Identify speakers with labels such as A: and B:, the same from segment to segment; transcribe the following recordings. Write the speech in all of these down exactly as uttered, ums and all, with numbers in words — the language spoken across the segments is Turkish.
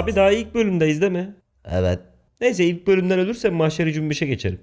A: Abi daha ilk bölümdeyiz değil mi?
B: Evet.
A: Neyse ilk bölümden ölürsem mahşeri cümbüşe geçerim.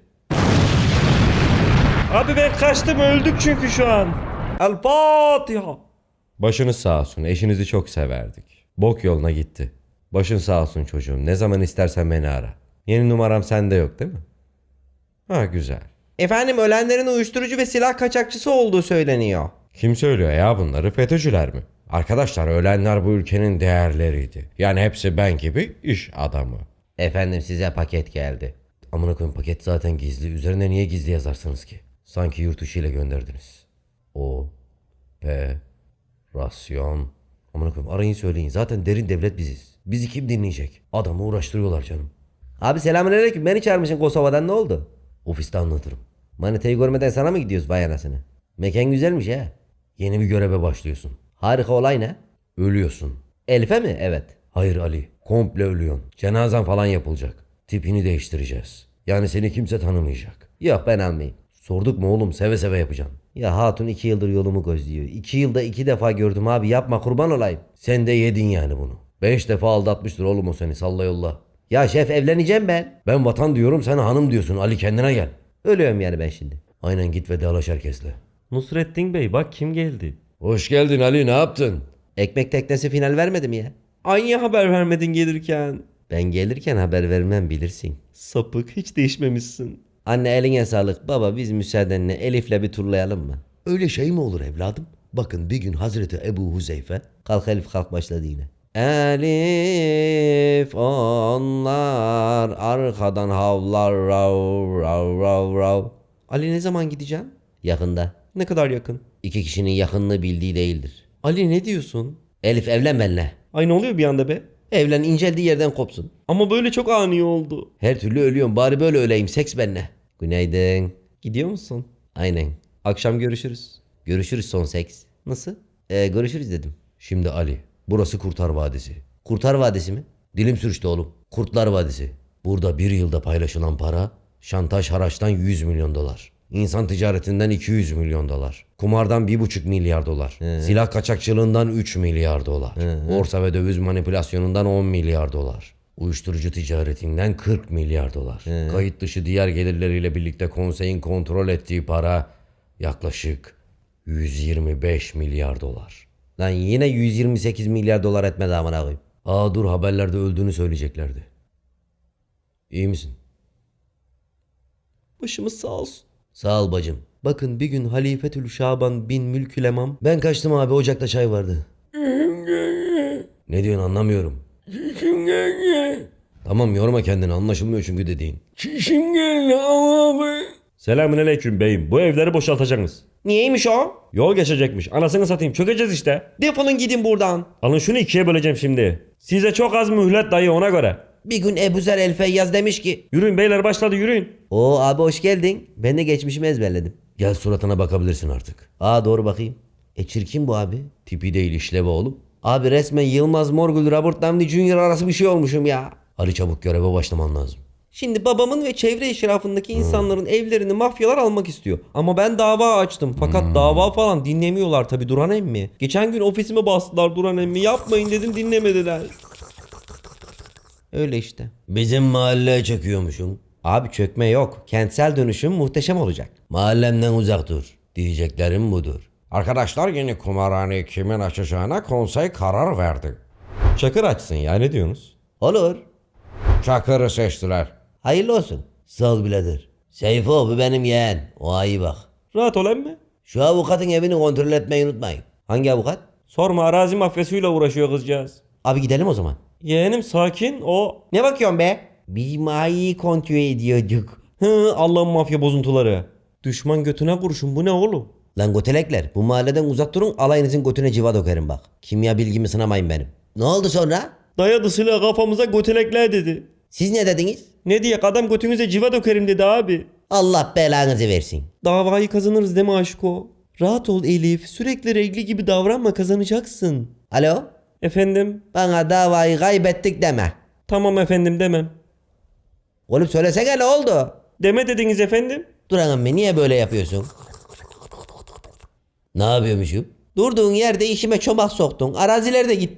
A: Abi ben kaçtım, öldük çünkü şu an. El Fatiha. Başınız sağ olsun, eşinizi çok severdik. Bok yoluna gitti. Başın sağ olsun çocuğum, ne zaman istersen beni ara. Yeni numaram sende yok değil mi? Ha güzel.
B: Efendim ölenlerin uyuşturucu ve silah kaçakçısı olduğu söyleniyor.
A: Kim söylüyor ya bunları, FETÖ'cüler mi? Arkadaşlar ölenler bu ülkenin değerleriydi. Yani hepsi ben gibi iş adamı.
B: Efendim size paket geldi.
A: Amına koyayım, paket zaten gizli. Üzerine niye gizli yazarsınız ki? Sanki yurt dışı ile gönderdiniz. O P Rasyon. Amına koyayım, arayın söyleyin. Zaten derin devlet biziz. Bizi kim dinleyecek? Adamı uğraştırıyorlar canım.
B: Abi selamünaleyküm, beni çağırmışsın Kosova'dan, ne oldu?
A: Ofiste anlatırım.
B: Manitayı görmeden sana mı gidiyoruz vay anasını? Mekan güzelmiş ha.
A: Yeni bir göreve başlıyorsun.
B: Harika, olay ne?
A: Ölüyorsun.
B: Elif'e mi? Evet.
A: Hayır Ali, komple ölüyorsun. Cenazen falan yapılacak. Tipini değiştireceğiz. Yani seni kimse tanımayacak.
B: Yok, ben almayayım.
A: Sorduk mu oğlum, seve seve yapacaksın.
B: Ya hatun iki yıldır yolumu gözlüyor. İki yılda iki defa gördüm abi, yapma kurban olayım.
A: Sen de yedin yani bunu. Beş defa aldatmıştır oğlum o seni, salla yolla.
B: Ya şef, evleneceğim ben.
A: Ben vatan diyorum, sen hanım diyorsun. Ali kendine gel.
B: Ölüyorum yani ben şimdi.
A: Aynen, git vedalaş herkesle.
C: Nusrettin Bey bak kim geldi.
A: Hoş geldin Ali, ne yaptın?
B: Ekmek teknesi final vermedi mi ya?
C: Aynı haber vermedin gelirken.
B: Ben gelirken haber vermem, bilirsin.
C: Sapık, hiç değişmemişsin.
B: Anne eline sağlık. Baba biz müsaadenle Elif'le bir turlayalım mı?
A: Öyle şey mi olur evladım? Bakın bir gün Hazreti Ebu Huzeyfe.
B: Kalk Elif, kalk, başladı yine. Elif onlar arkadan havlar rav rav rav rav.
C: Ali ne zaman gideceğim?
B: Yakında.
C: Ne kadar yakın?
B: İki kişinin yakınlığı bildiği değildir.
C: Ali ne diyorsun?
B: Elif evlen benimle.
C: Ay ne oluyor bir anda be?
B: Evlen, inceldiği yerden kopsun.
C: Ama böyle çok ani oldu.
B: Her türlü ölüyorum, bari böyle öleyim, seks benimle. Günaydın.
C: Gidiyor musun?
B: Aynen.
C: Akşam görüşürüz.
B: Görüşürüz son seks.
C: Nasıl?
B: Ee, görüşürüz dedim.
A: Şimdi Ali, burası Kurtar Vadisi.
B: Kurtar Vadisi mi?
A: Dilim sürçtü oğlum. Kurtlar Vadisi. Burada bir yılda paylaşılan para, şantaj haraçtan yüz milyon dolar. İnsan ticaretinden iki yüz milyon dolar. Kumardan bir buçuk milyar dolar.
B: He.
A: Silah kaçakçılığından üç milyar dolar.
B: He.
A: Borsa ve döviz manipülasyonundan on milyar dolar. Uyuşturucu ticaretinden kırk milyar dolar.
B: He.
A: Kayıt dışı diğer gelirleriyle birlikte konseyin kontrol ettiği para yaklaşık yüz yirmi beş milyar dolar.
B: Lan yine yüz yirmi sekiz milyar dolar etmedi amına koyayım.
A: Aa dur, haberlerde öldüğünü söyleyeceklerdi. İyi misin?
C: Başımız sağ olsun.
B: Sağ ol bacım.
C: Bakın bir gün Halifetül Şaban bin Mülkülemam.
A: Ben kaçtım abi, ocakta çay vardı. Ne diyorsun, anlamıyorum. Tamam, yorma kendini, anlaşılmıyor çünkü dediğin.
C: Çişim geldi abi. Selamünaleyküm beyim. Bu evleri boşaltacaksınız.
B: Niyeymiş o?
C: Yol geçecekmiş. Anasını satayım. Çökeceğiz işte.
B: Defolun gidin buradan.
C: Alın şunu ikiye böleceğim şimdi. Size çok az mühlet dayı, ona göre.
B: Bir gün Ebu Zer El Feyyaz demiş ki.
C: Yürüyün beyler, başladı, yürüyün.
B: Oo abi hoş geldin. Ben de geçmişimi ezberledim.
A: Gel suratına bakabilirsin artık.
B: Aa doğru, bakayım. E çirkin bu abi.
A: Tipi değil, işlevi oğlum.
B: Abi resmen Yılmaz Morgül, Robert Downey Junior arası bir şey olmuşum ya.
A: Ali çabuk göreve başlaman lazım.
C: Şimdi babamın ve çevre eşrafındaki insanların evlerini mafyalar almak istiyor. Ama ben dava açtım. Fakat dava falan dinlemiyorlar tabi Duran emmi. Geçen gün ofisime bastılar Duran emmi. Yapmayın dedim, dinlemediler.
B: Öyle işte.
A: Bizim mahalleye çekiyormuşum.
B: Abi çökme yok. Kentsel dönüşüm muhteşem olacak.
A: Mahallemden uzak dur. Diyeceklerim budur. Arkadaşlar, yeni kumarhaneyi kimin açacağına konsey karar verdi.
C: Çakır açsın ya, ne diyorsunuz?
B: Olur.
A: Çakır'ı seçtiler.
B: Hayırlı olsun.
A: Sağ ol birader.
B: Seyfo, bu benim yeğen. O iyi bak.
C: Rahat ol emmi.
B: Şu avukatın evini kontrol etmeyi unutmayın. Hangi avukat?
C: Sorma, arazi mafyasıyla uğraşıyor kızcağız.
B: Abi gidelim o zaman.
C: Yeğenim sakin, o...
B: Ne bakıyorsun be? Biz mayi kontrol ediyorduk.
C: Hı, Allah'ın mafya bozuntuları. Düşman götüne kurşun, bu ne oğlum?
B: Lan götelekler, bu mahalleden uzak durun, alayınızın götüne civa dökerim bak. Kimya bilgimi sınamayın benim. Ne oldu sonra?
C: Dayadı silah kafamıza, götelekler dedi.
B: Siz ne dediniz?
C: Ne diye, adam götünüze civa dökerim dedi abi.
B: Allah belanızı versin.
C: Davayı kazanırız değil mi aşko? Rahat ol Elif, sürekli regli gibi davranma, kazanacaksın.
B: Alo?
C: Efendim?
B: Bana davayı kaybettik deme.
C: Tamam efendim, demem.
B: Oğlum söylesene, ne oldu?
C: Deme dediniz efendim.
B: Duran emmi, niye böyle yapıyorsun?
A: Ne yapıyormuşum?
B: Durduğun yerde işime çomak soktun. Araziler de gitti.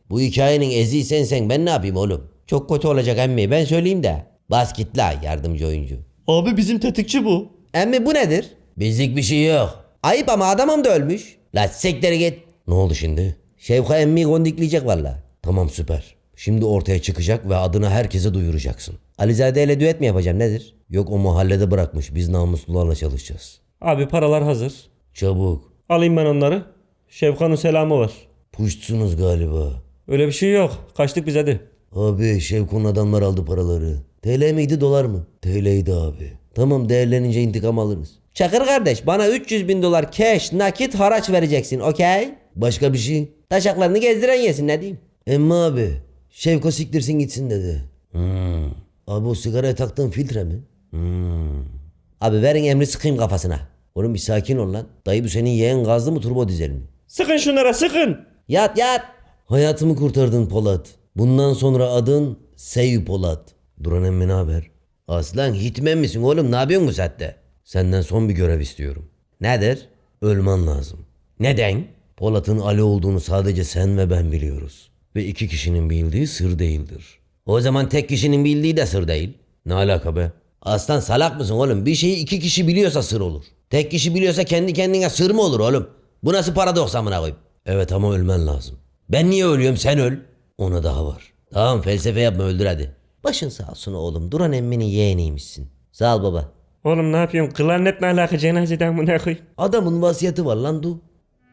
B: Bu hikayenin eziği sensen ben ne yapayım oğlum? Çok kötü olacak emmi ben söyleyeyim de. Bas git la yardımcı oyuncu.
C: Abi bizim tetikçi bu.
B: Emmi bu nedir? Bizlik bir şey yok. Ayıp ama adamım da ölmüş. La siktir git. Ne oldu şimdi? Şevka emmi kondikleyecek valla. Tamam süper. Şimdi ortaya çıkacak ve adını herkese duyuracaksın. Alizade ile düet mi yapacağım nedir? Yok o mahallede bırakmış biz namuslularla çalışacağız.
C: Abi paralar hazır.
B: Çabuk.
C: Alayım ben onları. Şevkan'ın selamı var.
B: Puştsunuz galiba.
C: Öyle bir şey yok. Kaçtık biz hadi.
B: Abi Şevko'nun adamlar aldı paraları. T L miydi dolar mı? T L'ydi abi. Tamam değerlenince intikam alırız. Çakır kardeş bana üç yüz bin dolar cash nakit haraç vereceksin okey? Başka bir şey? Taşaklarını gezdiren yesin ne diyeyim? Emmi abi Şevko siktirsin gitsin dedi. Hmm. Abi o sigaraya taktığın filtre mi? Hmm. Abi verin emri sıkayım kafasına. Oğlum bir sakin ol lan. Dayı bu senin yeğen gazlı mı turbo dizel mi?
C: Sıkın şunlara sıkın.
B: Yat yat. Hayatımı kurtardın Polat. Bundan sonra adın Seyü Polat. Duran emmi ne haber? Aslan hitmen misin oğlum ne yapıyorsun bu saatte? Senden son bir görev istiyorum. Nedir? Ölmen lazım. Neden? Polat'ın Ali olduğunu sadece sen ve ben biliyoruz. Ve iki kişinin bildiği sır değildir. O zaman tek kişinin bildiği de sır değil. Ne alaka be? Aslan salak mısın oğlum? Bir şeyi iki kişi biliyorsa sır olur. Tek kişi biliyorsa kendi kendine sır mı olur oğlum? Bu nasıl paradoks amına koyayım? Evet ama ölmen lazım. Ben niye ölüyorum sen öl. Ona daha var. Tamam felsefe yapma öldür hadi. Başın sağ olsun oğlum. Duran emminin yeğeniymişsin. Sağ ol baba.
C: Oğlum ne yapıyorsun? Klarnet ne alaka cenazeden bu ne koy?
B: Adamın vasiyeti var lan du.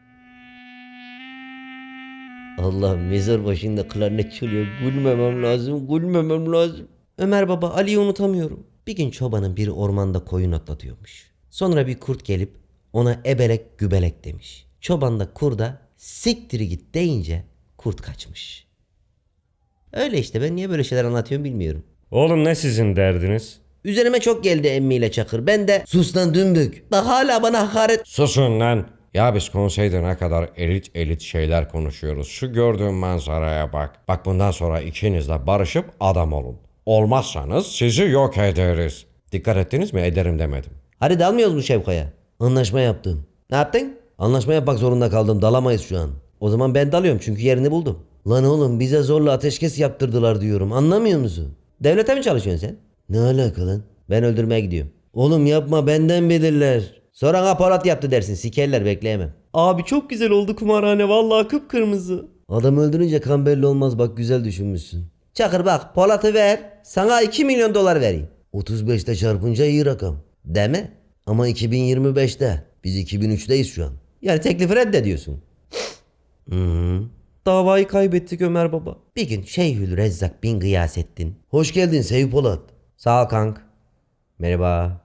B: Allah mezar başında klarnet çalıyor. Gülmemem lazım, gülmemem lazım. Ömer baba Ali'yi unutamıyorum. Bir gün çobanın biri ormanda koyun otlatıyormuş. Sonra bir kurt gelip ona ebelek gübelek demiş. Çoban da kurda siktiri git deyince kurt kaçmış. Öyle işte ben niye böyle şeyler anlatıyorum bilmiyorum.
C: Oğlum ne sizin derdiniz?
B: Üzerime çok geldi emmiyle Çakır. Ben de sus lan dümbük. Bak hala bana hakaret.
A: Susun lan. Ya biz konseyde ne kadar elit elit şeyler konuşuyoruz. Şu gördüğün manzaraya bak. Bak bundan sonra ikiniz de barışıp adam olun. Olmazsanız sizi yok ederiz. Dikkat ettiniz mi? Ederim demedim.
B: Hadi dalmıyoruz mu Şevka'ya? Anlaşma yaptım. Ne yaptın? Anlaşma yapmak zorunda kaldım. Dalamayız şu an. O zaman ben dalıyorum çünkü yerini buldum. Lan oğlum bize zorla ateşkes yaptırdılar diyorum. Anlamıyor musun? Devlete mi çalışıyorsun sen? Ne alaka lan? Ben öldürmeye gidiyorum. Oğlum yapma benden bilirler. Sonra aparat yaptı dersin. Sikerler bekleyemem.
C: Abi çok güzel oldu kumarhane vallahi kıpkırmızı.
B: Adam öldürünce kan belli olmaz bak güzel düşünmüşsün. Çakır bak Polat'ı ver. Sana iki milyon dolar vereyim. otuz beşte çarpınca iyi rakam. Değil mi? Ama iki bin yirmi beşte. Biz iki bin üçteyiz şu an. Yani teklifi reddediyorsun. Hı hı.
C: Davayı kaybettik Ömer baba.
B: Bir gün Şeyhül Rezzak bin Gıyasettin. Hoş geldin Seyfi Polat.
C: Sağ ol kank. Merhaba.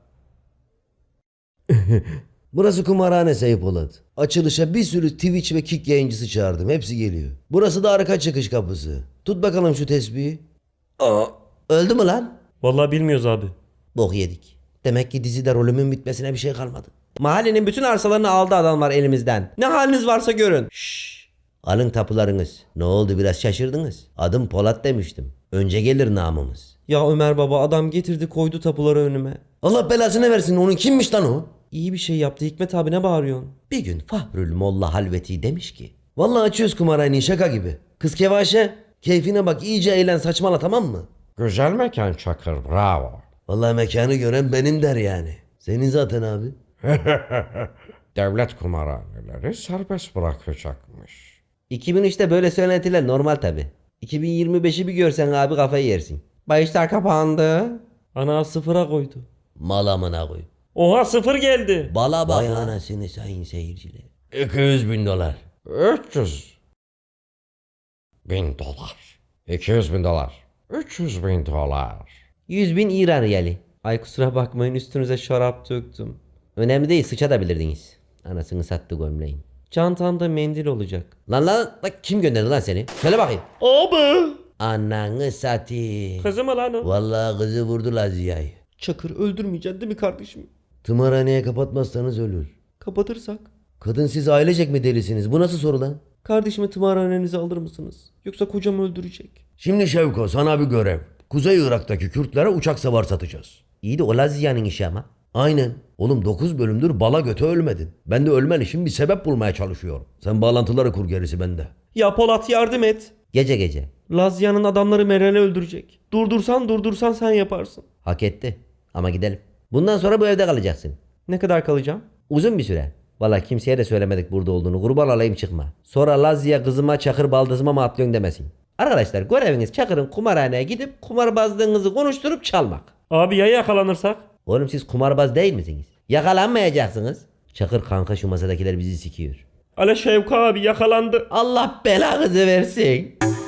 B: Burası kumarhane Seyfi Polat. Açılışa bir sürü Twitch ve Kick yayıncısı çağırdım. Hepsi geliyor. Burası da arka çıkış kapısı. Tut bakalım şu tesbihi. Aa, öldü mü lan?
C: Vallahi bilmiyoruz abi.
B: Bok yedik. Demek ki dizide rolümün bitmesine bir şey kalmadı. Mahallenin bütün arsalarını aldı adamlar elimizden. Ne haliniz varsa görün. Şşş. Alın tapularınız. Ne oldu biraz şaşırdınız? Adım Polat demiştim. Önce gelir namımız.
C: Ya Ömer baba adam getirdi koydu tapuları önüme.
B: Allah belasını versin onun kimmiş lan o?
C: İyi bir şey yaptı Hikmet abi ne bağırıyorsun?
B: Bir gün Fahrül Molla Halveti demiş ki. Vallahi açıyoruz kumarhaneyi şaka gibi. Kız Kevaşe keyfine bak iyice eğlen saçmala tamam mı?
A: Güzel mekan Çakır, bravo.
B: Vallahi mekanı gören benim der yani. Senin zaten abi.
A: Devlet kumarhaneleri serbest bırakacakmış.
B: iki bin üçte böyle söylentiler normal tabi. iki bin yirmi beşi bir görsen abi kafayı yersin.
C: Bayışlar kapandı. Ana sıfıra koydu.
B: Mal amına koy.
C: Oha sıfır geldi.
B: Bala bak anasını sayın seyirciler.
A: iki yüz bin dolar. üç yüz bin dolar. iki yüz bin dolar. üç yüz bin dolar.
B: yüz bin İran riyali.
C: Ay kusura bakmayın üstünüze şarap döktüm.
B: Önemli değil sıçabilirdiniz. Anasını sattı gömleğin.
C: Çantamda mendil olacak.
B: Lan lan bak kim gönderdi lan seni? Söyle bakayım.
C: Abi.
B: Ananı satayım.
C: Kızı mı lan o?
B: Vallahi kızı vurdu la Ziya'yı.
C: Çakır öldürmeyeceksin değil mi kardeşim?
B: Tımarhaneye kapatmazsanız ölür.
C: Kapatırsak.
B: Kadın siz ailecek mi delisiniz? Bu nasıl soru lan?
C: Kardeşimi tımarhanenize alır mısınız? Yoksa kocam öldürecek.
B: Şimdi Şevko sana bir görev. Kuzey Irak'taki Kürtlere uçak savar satacağız. İyi de o Lazia'nın işi ama. Aynen. Oğlum dokuz bölümdür bala göte ölmedin. Ben de ölmen için bir sebep bulmaya çalışıyorum. Sen bağlantıları kur gerisi bende.
C: Ya Polat yardım et.
B: Gece gece.
C: Lazya'nın adamları Meren'i öldürecek. Durdursan durdursan sen yaparsın.
B: Hak etti. Ama gidelim. Bundan sonra bu evde kalacaksın.
C: Ne kadar kalacağım?
B: Uzun bir süre. Valla kimseye de söylemedik burada olduğunu. Kurban olayım çıkma. Sonra Lazya kızıma Çakır baldızıma mı atlıyorsun demesin. Arkadaşlar göreviniz Çakır'ın kumarhaneye gidip kumarbazlığınızı konuşturup çalmak.
C: Abi ya yakalanırsak?
B: Oğlum siz kumarbaz değil misiniz? Yakalanmayacaksınız. Çakır kanka şu masadakiler bizi sikiyor.
C: Ale Şevka abi yakalandı.
B: Allah belanızı versin.